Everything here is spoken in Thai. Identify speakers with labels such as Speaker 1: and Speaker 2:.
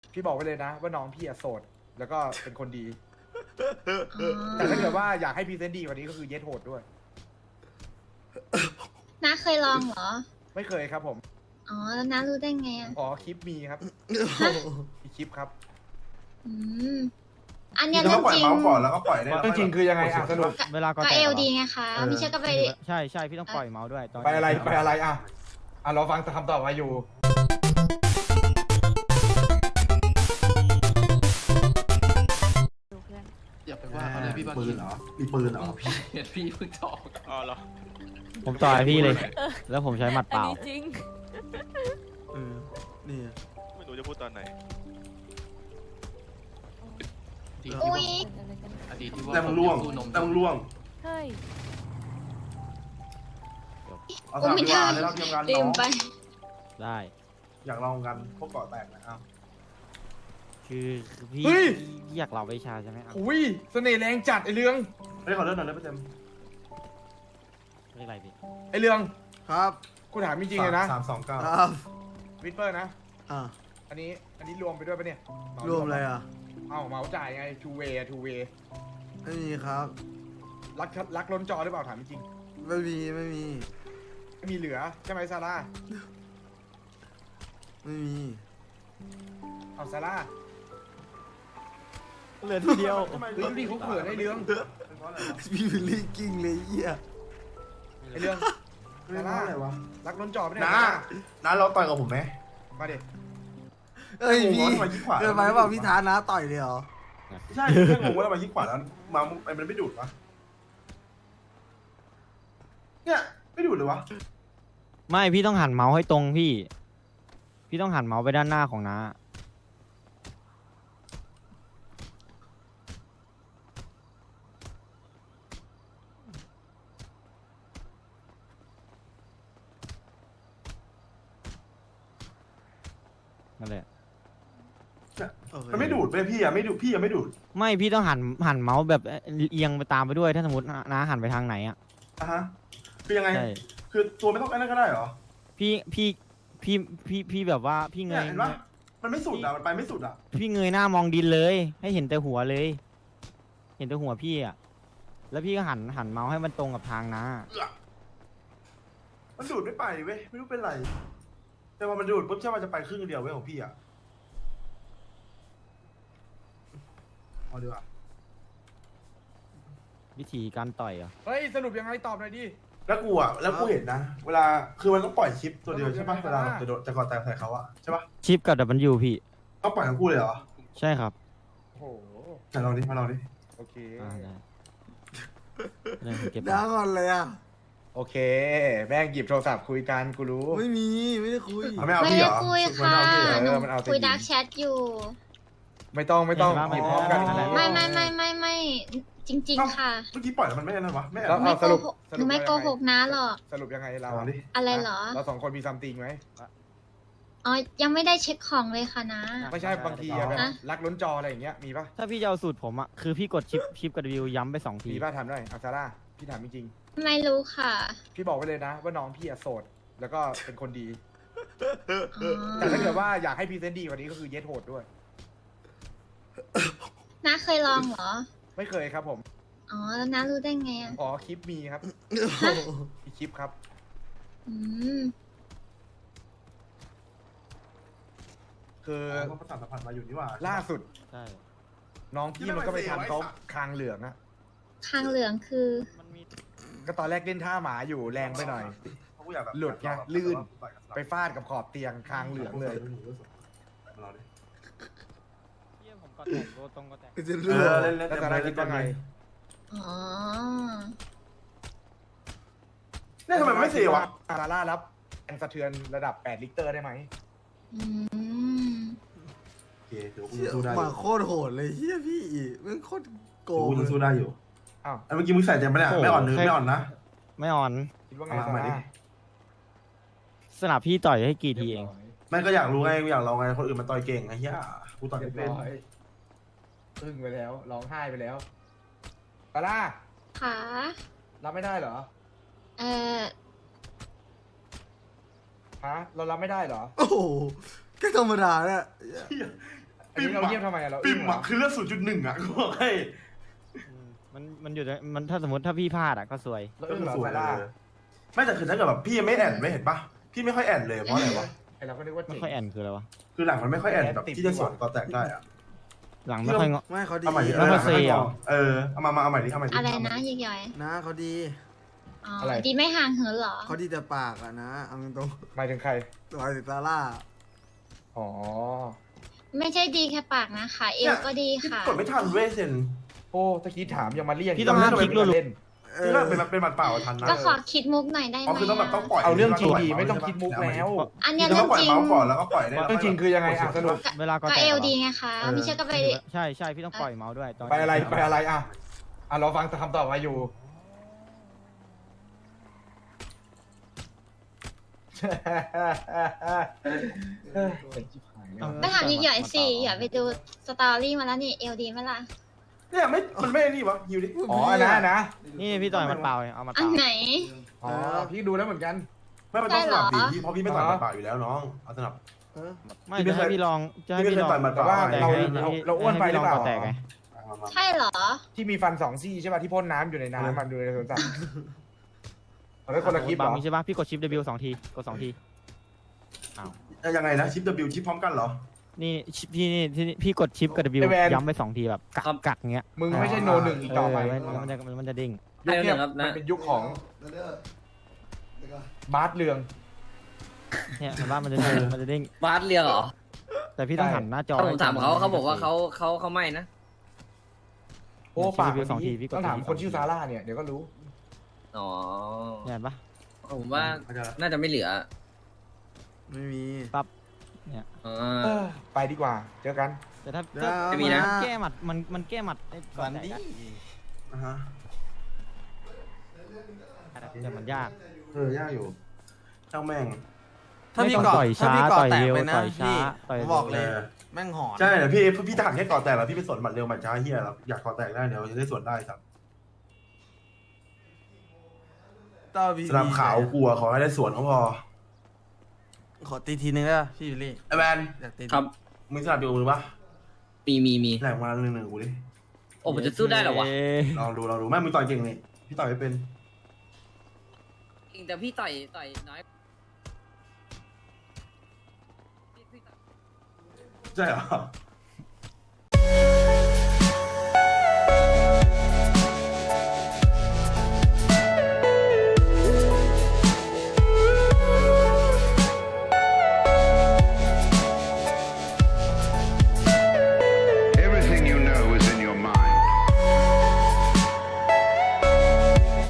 Speaker 1: พี่บอกไว้เลยนะว่าน้องพี่อะโสดแล้วก็เป็นคนดี แต่ถ้าเกิดว่าอยากให้พรีเซนต์ดีกว่านี้ก็คือเย็ดโหดด้วย
Speaker 2: น้าเคยลองเหรอ
Speaker 1: ไม่เคยครับผม
Speaker 2: อ๋อ แล้วน้ารู้ได้ไงอ่ะ
Speaker 1: อ๋อคลิปมีครับมีคลิปครับ
Speaker 2: อืม อันเนี้ย
Speaker 3: แล้
Speaker 2: เรื่
Speaker 3: ว
Speaker 2: อง
Speaker 3: ก็ปล่อย
Speaker 2: จริง
Speaker 3: เมาส์ก่อนแล้วก็ปล่อยได้
Speaker 1: เรื่องจริงคือยังไงอ่ะสรุป
Speaker 4: เวลาก็
Speaker 2: ก็
Speaker 4: แต
Speaker 2: เอก ล
Speaker 4: เหรอ
Speaker 2: ดีไงคะไม่ใช่ก็ไป
Speaker 4: ใช่ใช่พี่ต้องปล่อยเมาส์ด้วยตอน
Speaker 1: ไปอะไรอ่ะเราฟังคำตอบมาอยู่
Speaker 5: อย่าไปว่าเขาเลยพี่บาง
Speaker 3: ปื
Speaker 5: ที
Speaker 3: นเหรอมีปืนเหรอ
Speaker 5: พี่เห็นพี่เพิ่งจะออก
Speaker 6: อ๋อเหรอ
Speaker 4: ผมต่อยพี่เลย แล้วผมใช้หมัดเปล่า
Speaker 7: อันนี้จริง
Speaker 8: นี่
Speaker 6: ไม่รู้จะพูดตอนไหน
Speaker 5: ดีที่
Speaker 2: อุ้
Speaker 5: ว่าย อดีตที่ว่า
Speaker 3: แต่มึงล่วง
Speaker 5: สู้นม
Speaker 3: แต่มึงล่วง
Speaker 7: เฮ้ย
Speaker 3: เอาสามดีกว่าได้รับเตรียมงาน
Speaker 2: ลื
Speaker 3: น้อ
Speaker 2: ม
Speaker 3: ง
Speaker 2: ไป
Speaker 4: ได้
Speaker 3: อยากลองกันพวกเกาะแตกนะอ้าว
Speaker 4: คือพี่
Speaker 1: เฮ้ย
Speaker 4: อยากเราไปชาใช่ไหมครับ
Speaker 1: อุ้ยเสน่ห์แรงจัดไอเรื่อง
Speaker 3: เฮ้ยขอเลื่อนหน่อยได้ไหมเต็ม
Speaker 4: เรียกอะไรพี่
Speaker 1: ไอเรื่อง
Speaker 8: ครับ
Speaker 1: กูถามจริงๆเลยนะ
Speaker 3: 329
Speaker 8: ครับ
Speaker 1: วิทเปอร์นะ
Speaker 8: อ่า
Speaker 1: อันนี้รวมไปด้วยปะเนี่ย
Speaker 8: รวมอะไรอ่ะ
Speaker 1: เอ้าเหมาจ่ายไง two way
Speaker 8: ไม่มีครับ
Speaker 1: รักล้นจอหรือเปล่าถามจริง
Speaker 8: ไม่มีไม่มี
Speaker 1: ไม่มีเหลือใช่ไหมซาร่า
Speaker 8: ไม่มี
Speaker 1: เอาซาร่า
Speaker 4: เหลือทีเดียว
Speaker 1: เฮ้ยดูดิเขาเขินไอเรื่อง
Speaker 3: เป็นเพราะอะไรวะ
Speaker 8: พี่วิลลี่กิ้งเลยเหี้ย
Speaker 1: ไอเรื่อง
Speaker 3: เป็นเพราะอะไรวะ
Speaker 1: รักล้นจอปะเนี่ย
Speaker 3: น้าเราต่อยกับผมไหม
Speaker 1: มาดิ
Speaker 8: เอ้ย
Speaker 3: งง
Speaker 8: พี่
Speaker 3: ว่าทำไมยิงขวา
Speaker 8: เกินไปเปล่าพี่ท้านะต่อยเลยเหรอ
Speaker 3: ใช่แค่งงว่าทำไมยิงขวาแล้วมามันไม่ดูดวะเนี่ยไม่ดูดเลยวะ
Speaker 4: ไม่พี่ต้องหันเมาส์ให้ตรงพี่ พี่ต้องหันเมาส์ไปด้านหน้าของน้านั่นแหละ
Speaker 8: โอเค
Speaker 3: มันไม่ดูดเลยพี่อะไม่ดูดพี่อะไม่ดูด
Speaker 4: ไม่พี่ต้องหันเมาส์แบบเอียงไปตามไปด้วย ถ้าสมมติน้าหันไปทางไหนอ่ะ
Speaker 3: อ่ะฮะคือยังไง
Speaker 4: ใช่
Speaker 3: คือตัวไม่ต้องไอ้นั่นก็ได้เหรอ
Speaker 4: พี่แบบว่าพี่เง
Speaker 3: เนี่ย
Speaker 4: ย
Speaker 3: เห็นปะมันไม่สุดอะมันไปไม่สุดอะ
Speaker 4: พี่เงยหน้ามองดินเลย ให้เห็นแต่หัวเลย เห็นแต่หัวพี่อ่ะ แล้วพี่ก็หันเมาส์ให้มันตรงกับทางน้า
Speaker 3: มันดูดไม่ไปเว้ยไม่รู้เป็นไร แต่พอมันดูดปุ๊บใช่ว่าจะไปครึ่งเดียวเว้ยของพี่อะเอาดีกว่า
Speaker 4: วิธีการต่อยเหรอ่ะ
Speaker 1: เฮ้ยสรุปยังไงตอบหน่อยดิ
Speaker 3: แล้วกูอะแล้วกูเห็นนะ เวลาคือมันต้องปล่อยคลิปตัวเดียวใช่ปะ
Speaker 1: เออ
Speaker 3: เวลาจะโดนจะก่อแตกใส่เขาอะใช่ปะ
Speaker 4: ชิปกับดับเบิลยูพี่
Speaker 3: ต้องปล่อยทั้งคู่เลยเหรอ
Speaker 4: ใช่ครับ
Speaker 1: โอ้โห
Speaker 3: ไหนลองดิมาลองดิ
Speaker 1: โอเค
Speaker 4: ได้เรื่องเก็บ
Speaker 8: น้าก่อนเลยอ่ะ
Speaker 1: โอเคแม่งหยิบโทรศัพท์คุยกันกูรู้
Speaker 8: ไม่มีไม่ได้คุย
Speaker 3: เอาไม่เอา
Speaker 2: ไม่
Speaker 3: พี่เห
Speaker 2: ได้
Speaker 3: รอ
Speaker 2: คุย
Speaker 3: ไม่
Speaker 2: ค่ะ
Speaker 3: เอาพี่เหรอ
Speaker 2: หนู
Speaker 1: มันเอาแต่
Speaker 2: คุย
Speaker 1: หญิง
Speaker 2: ดักแชทอยู่
Speaker 1: ไม่ต้องหยิบพร้อมกัน
Speaker 2: ไม่จริง ๆ ค่ะ
Speaker 3: เมื่อกี้ปล่อยแล้วมันไม่นั่นวะไม่
Speaker 1: แล้ว
Speaker 2: ไม่
Speaker 1: สรุป
Speaker 2: โกหกหนูไม่โกหกนะหรอก
Speaker 1: สรุปยังไงเรา
Speaker 3: ลองดิ
Speaker 2: อะไรเหรอ
Speaker 1: เราสองคนมีซัมติงไหม
Speaker 2: อ๋อ ยังไม่ได้เช็คของเลยค่ะนะ
Speaker 1: ไม่ใช่บางทีอะแบบ
Speaker 2: ฮะ
Speaker 1: รักล้นจออะไรอย่างเงี้ยมีปะ
Speaker 4: ถ้าพี่จะเอาสูตรผมอ่ะ คือพี่กดชิปกับวิวย้ำไป2 ที
Speaker 1: มีปะทำได้อาซาร่าพี่ถามจริง
Speaker 2: ไม่รู้ค่ะ
Speaker 1: ๆพี่บอกไว้เลยนะว่าน้องพี่อะโสดแล้วก็เป็นคนดี
Speaker 2: อ๋อ
Speaker 1: แต่ถ้าเกิดว่าอยากให้พรีเซนต์ดีกว่านี้ก็คือเย็ดโหดด้วย
Speaker 2: น้าเคยลองเหรอ
Speaker 1: ไม่เคยครับผม
Speaker 2: อ๋อ แล้วน้ารู้ได้ไงอ่ะ
Speaker 1: อ๋อคลิปมีครับมีคลิปครับ
Speaker 2: อืม
Speaker 1: คือ
Speaker 3: ก็ประสานสัมพันธ์มาอยู่นี่หว่า
Speaker 1: ล่าสุด
Speaker 4: ใช่
Speaker 1: น้องพี่มันก็ไปทำเขาคางเหลืองอะ
Speaker 2: คางเหลืองคือ
Speaker 4: มันมี
Speaker 1: ก็ตอนแรกเล่นท่าหมาอยู่แรงไปหน่อย
Speaker 3: เพราะกูอยากแบบ
Speaker 1: หลุดไงลื่น ไปฟาดกับขอบเตียงคางเหลืองเลย
Speaker 3: มาลองดิ
Speaker 4: เยี่ยผมก็แต่งตัวตรงก็แต่ง
Speaker 8: จะ
Speaker 3: เอ
Speaker 8: รู้
Speaker 3: อเล่นเล่น
Speaker 1: แล้วซาร่าคิดว่าไง
Speaker 2: อ๋อ
Speaker 3: เนี่ยทำไมมันไม่เสียวะ
Speaker 1: ซาร่ารับแรงสะเทือนระดับ8 ลิตรได้ไหม
Speaker 2: อืม
Speaker 3: โอเคเดี๋ยวกูจะสู้ได้อ
Speaker 8: หมา
Speaker 3: ยู่
Speaker 8: โคตรโหดเลยเฮียพี่มันโคตรโก
Speaker 3: เดี๋ยวกู
Speaker 8: งเล
Speaker 3: จะสู้
Speaker 8: ย
Speaker 3: ได้อยู่
Speaker 1: อ้าว
Speaker 3: ไอ้เมื่อกี้มึงใส่เต็มปะเนี่ยไม่อ่อนนึงไม่อ่อนนะ
Speaker 4: ไม่อ่อน
Speaker 1: คิดว่าไง
Speaker 3: เอา
Speaker 1: ซา
Speaker 3: มาดิ
Speaker 1: ร่า
Speaker 4: สนับพี่ต่อยให้กี่ทีเอง
Speaker 3: ไม่ก็อยากรู้ไงกูอยากลองไงคนอื่นมันต่อยเก่งไอ้เหี้ยกูต่อย
Speaker 1: เรี
Speaker 3: ไม่
Speaker 1: ยบ
Speaker 3: เป็น
Speaker 1: ร้อยอึ้งไปแล้วร้องไห้ไปแล้วซาร่า
Speaker 2: ค่ะ
Speaker 1: รับไม่ได้เหรอ
Speaker 2: เออ
Speaker 1: ฮะเรารับไม่ได้เหรอ
Speaker 8: โอ้โหแค่ธรรมดาเนี่ย
Speaker 3: เหี้ย
Speaker 1: อันนี้เราเงียบทำไมอะเรา
Speaker 3: ปิ่
Speaker 1: อึ้
Speaker 3: ม
Speaker 1: งเหร
Speaker 3: อะ
Speaker 1: อ
Speaker 3: คือเลือด0.1อะกูบอกให้
Speaker 4: มันอยู่ในมันถ้าสมมติถ้าพี่พลาดอ่ะก็ซวย
Speaker 1: เรา
Speaker 3: ก็
Speaker 1: อึ้ง
Speaker 3: คือ
Speaker 1: เหรอ
Speaker 3: สวย
Speaker 1: ซา
Speaker 3: เล
Speaker 1: ร่าย
Speaker 3: ไม่แต่คือถ้าเกิดแบบพี่ไม่แอนไม่เห็นปะพี่ไม่ค่อยแอนเลยเพราะอะไรวะ
Speaker 1: ไอเราก็นึกว่า
Speaker 4: ไม่
Speaker 1: เจ๋ง
Speaker 4: ค่อยแอนคืออะไรวะ
Speaker 3: คือหลังมันไม่ค่อยแอนแบบที่จะสวนกอแตกได้อะ
Speaker 4: หลังไม่ค่อยงอ
Speaker 8: ไม่เขาดี
Speaker 3: เอาใหม่ดิ
Speaker 4: แล้วก็เซลล์
Speaker 3: เอามาเอาใหม่ดิเอาใหม่ดิ
Speaker 2: อะไรนะยิกย่อย
Speaker 8: นะเขาดี
Speaker 2: อ๋อดีไม่ห่างเหินเหรอ
Speaker 8: เขาดีแต่ปากอะนะเอาตรง
Speaker 1: หมายถึงใคร
Speaker 8: ๆตัวสิซาร่า
Speaker 1: อ๋อ
Speaker 2: ไม่ใช่ดีแค่ปากนะขาเอวก็ดีค่ะ
Speaker 3: กดไม่ทันเว้ยเซน
Speaker 1: โอ้ตะกี้ถามยังมาเรียก
Speaker 4: พี่ต้องห้ามคลิกรัวๆ
Speaker 1: เล่น
Speaker 3: คือถ้าเป็นหมัดเปล่าทันนะ
Speaker 2: ก็ขอคิดมุกหน่อยได้ไหม
Speaker 3: อ๋อคือต้องแบบต้องปล่อย
Speaker 1: เอาเรื่องจริงดีไม่ต้องคิดมุกแล้ว
Speaker 2: อัน
Speaker 3: เนี่
Speaker 2: เนี้
Speaker 3: ย
Speaker 2: ย
Speaker 3: เรื่
Speaker 2: เรื่
Speaker 3: อ
Speaker 2: อง ง
Speaker 3: ปล่อย
Speaker 2: จริง
Speaker 3: เมาส์ก่อนแล้วก็ปล่อยได้
Speaker 1: เรื่องจริงคือยังไงอ่ะสรุป
Speaker 4: เวลาก็
Speaker 2: ก็
Speaker 4: แตก
Speaker 2: เอว
Speaker 4: เหรอ
Speaker 2: ดีไงคะไม่ใช่ก็ไป
Speaker 4: ใช่ใช่พี่ต้องปล่อยเมาส์ด้วยตอน
Speaker 1: ไปอะไรไปอะไรอ่ะเราฟังคำตอบมาอยู่
Speaker 2: ไปถามยิกย่อยสิอย่าไปดูสตอรี่มาแล้วนี่เอวดีไหมล่ะ
Speaker 3: เนี่ยมันไม่นี่วะฮิวดิ
Speaker 1: อ๋อนะ
Speaker 4: นี่พี่ต่อยมันเปล่าเอามา
Speaker 2: อั
Speaker 4: เป
Speaker 2: น
Speaker 4: ล่า
Speaker 2: ไหน
Speaker 1: อ๋อพี่ดูแล้วเหมือนกัน
Speaker 3: ไม่มันต้องสนับ
Speaker 2: ใช่
Speaker 3: ดิ
Speaker 2: เหรอ
Speaker 3: เพราะพี่ไม่ต่อยหมัดเปล่าอยู่แล้วน้องเอาสนับ
Speaker 4: ไม่จะให้พี่ลองจะให้
Speaker 3: พี่
Speaker 4: พี่
Speaker 3: ไม่
Speaker 4: ล
Speaker 3: เค
Speaker 4: อย ง
Speaker 3: ต่อยหมัดเป
Speaker 1: แต่
Speaker 3: ล่า
Speaker 1: ว่า
Speaker 4: แต่
Speaker 1: เรา
Speaker 4: ให้
Speaker 1: เราอ้วนไปหรือเปล่า
Speaker 4: ให้พี่ลองก่อแตกไง
Speaker 2: ใช่เหรอ
Speaker 1: ที่มีฟัน2 ซี่ใช่ป่ะที่พ่นน้ำอยู่ในน้ำมันดูในสวนสัตว์เอาไว้คนละคลิปเหร
Speaker 4: บา
Speaker 1: อ
Speaker 4: งมีใช่ปะพี่กดชิป W 2 ทีกด2 ที
Speaker 3: ยังไงนะชิป W ชิปพร้อมกันเหรอ
Speaker 4: นี่ชิปพี่นี่พี่กดชิปกับ W ย้ำไป2 ทีแบบกักเงี้ย
Speaker 1: มึงไม่ใช่โนหนึ่งอีกต่อไป
Speaker 4: มันจะดิ้ง
Speaker 1: ยุคเนี้ยมันเป็นยุคของบาสเรือง
Speaker 4: เนี่ยเห็นว่ามันจะดิ้ง
Speaker 6: บาสเรียงเหรอ
Speaker 4: แต่พี่ต้องหันหน้าจอ
Speaker 6: ถ้าผมถามเขาบอกว่าเขาไม่นะ
Speaker 1: โอ้ปาก
Speaker 4: ชิป W 2 ทีพี่กด
Speaker 1: ต้องถามคนชื่อซาร่าเนี่ยเดี๋ยวก็รู้
Speaker 6: อ๋อ
Speaker 4: เห็นปะ
Speaker 6: ผมว่าน่าจะไม่เหลือ
Speaker 8: ไม่มี
Speaker 6: อ๋อ
Speaker 1: ไปดีกว่า เจอกัน
Speaker 4: แต่ถ้า
Speaker 6: ไม่มีนะ
Speaker 4: แก้หมัดมันแก้หมัดไอ้ก่
Speaker 8: ฝั
Speaker 4: อน
Speaker 8: น
Speaker 4: แตก
Speaker 8: ดี
Speaker 4: อะ
Speaker 3: ฮะ
Speaker 4: แต่มันยาก
Speaker 3: ยากอยู่เจ้าแม่ง
Speaker 8: ถ้าพี่
Speaker 4: ไม่
Speaker 8: เกาะ
Speaker 4: ต้องต่อย
Speaker 8: ถ้า
Speaker 4: ช้า
Speaker 8: พี่เกาะ
Speaker 4: ต่อย
Speaker 8: แตก
Speaker 4: เร็ว
Speaker 8: ไปนะ
Speaker 4: ต่อยช้า
Speaker 8: พี่
Speaker 4: ต่อย
Speaker 8: ผม
Speaker 4: เร็ว
Speaker 8: บอกเลย แม่งหอน
Speaker 3: ใช่แต่พี่ทหารแค่ก่อแตกแล้วพี่ไปสวนหมัดเร็วหมัดช้าเฮียแล้วอยากก่อแตกได้เดี๋ยวจะได้สวนได้ครับ
Speaker 8: ต้อพี่
Speaker 3: สนามขาวกลัวขอให้ได้สวนก็พอ
Speaker 8: ขอตีทีนึงได้ปะพี่วิลลี่
Speaker 3: ไอแมน
Speaker 8: อยากตี
Speaker 6: ครับ
Speaker 3: มึงสนับอยู่มือปะ
Speaker 6: มี
Speaker 3: แหลกมาหนึ่งกูดิ
Speaker 6: โอ้ผมจะสู้ได้เหรอวะ
Speaker 3: ลองดูแม่มึงต่อยเก่งนี่พี่ต่อยไม่เป็น
Speaker 6: แต่พี่ต่อยน้อย
Speaker 3: ใช่เหรอ